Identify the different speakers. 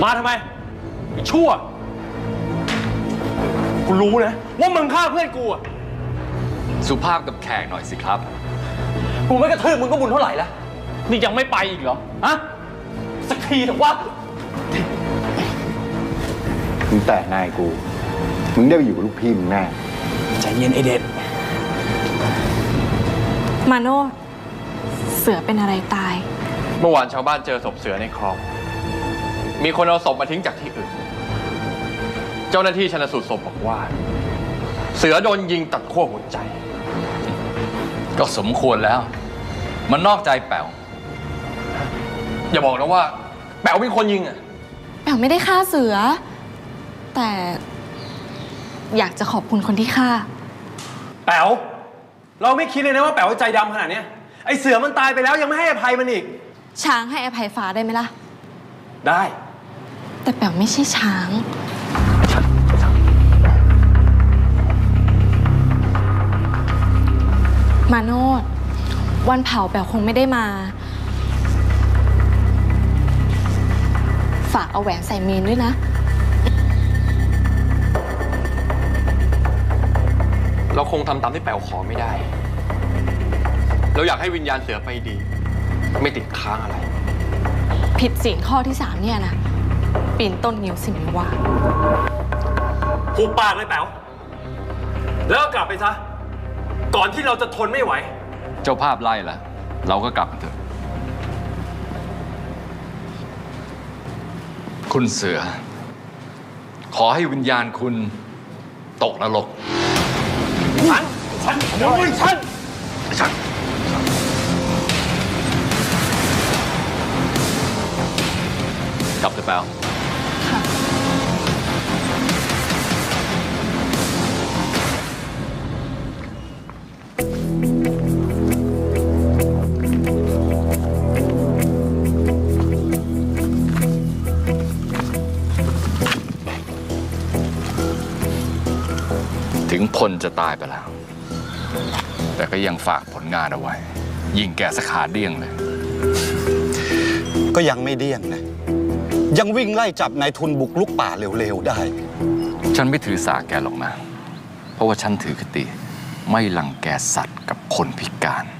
Speaker 1: มาทำไมไอ้ชั่วกูรู้นะว่ามึงฆ่าเพื่อนกูอะ
Speaker 2: สุภาพกับแขกหน่อยสิครับ
Speaker 1: กูไม่กระทืบมึงก็บุญเท่าไหร่แล้วนี่ยังไม่ไปอีกเหรอฮะสักทีเถอะวะ
Speaker 3: มึงแต่นายกูมึงได้ไปอยู่กับลูกพี่มึงแน่
Speaker 1: ใจเย็นไอเด็ด
Speaker 4: มาโนดเสือเป็นอะไรตาย
Speaker 2: เมื่อวานชาวบ้านเจอศพเสือในคลองมีคนเอาศพมาทิ้งจากที่อื่นเจ้าหน้าที่ชันสูตรศพบอกว่าเสือโดนยิงตัดขั้วหัวใจก็สมควรแล้วมันนอกใจแป๋วอย่าบอกนะว่าแป๋วเป็นคนยิงอ่ะ
Speaker 4: แป๋วไม่ได้ฆ่าเสือแต่อยากจะขอบคุณคนที่ฆ่า
Speaker 1: แป๋วเราไม่คิดเลยนะว่าแป๋วใจดำขนาดนี้ไอเสือมันตายไปแล้วยังไม่ให้อภัยมันอีก
Speaker 4: ช้างให้อภัยฟ้าได้ไหมล่ะ
Speaker 1: ได้
Speaker 4: แต่แป๋วไม่ใช่ช้างมาโนดวันเผาแป๋วคงไม่ได้มาฝากเอาแหวนใส่เมนด้วยนะ
Speaker 2: เราคงทำตามที่แป๋วขอไม่ได้เราอยากให้วิญญาณเสือไปดีไม่ติดค้างอะไร
Speaker 4: ผิดศีลข้อที่3เนี่ยนะปีนต้นนิ้วสิมิวา
Speaker 1: หุบปากเลยแป๋วแล้วก็กลับไปซะก่อนที่เราจะทนไม่ไหว
Speaker 2: เจ้าภาพไล่ละเราก็กลับกันเถอะคุณเสือขอให้วิญญาณคุณตกนรกฉันกลับเถอะแป๋วถึงพลจะตายไปแล้วแต่ก็ยังฝากผลงานเอาไว้ยิงแกสขาเดี้ยงเลย
Speaker 3: ก็ยังไม่เดี้ยงนะยังวิ่งไล่จับนายทุนบุกลุกป่าเร็วๆได้
Speaker 2: ฉันไม่ถือสาแกหรอกนะเพราะว่าฉันถือคติไม่รังแกสัตว์กับคนพิการ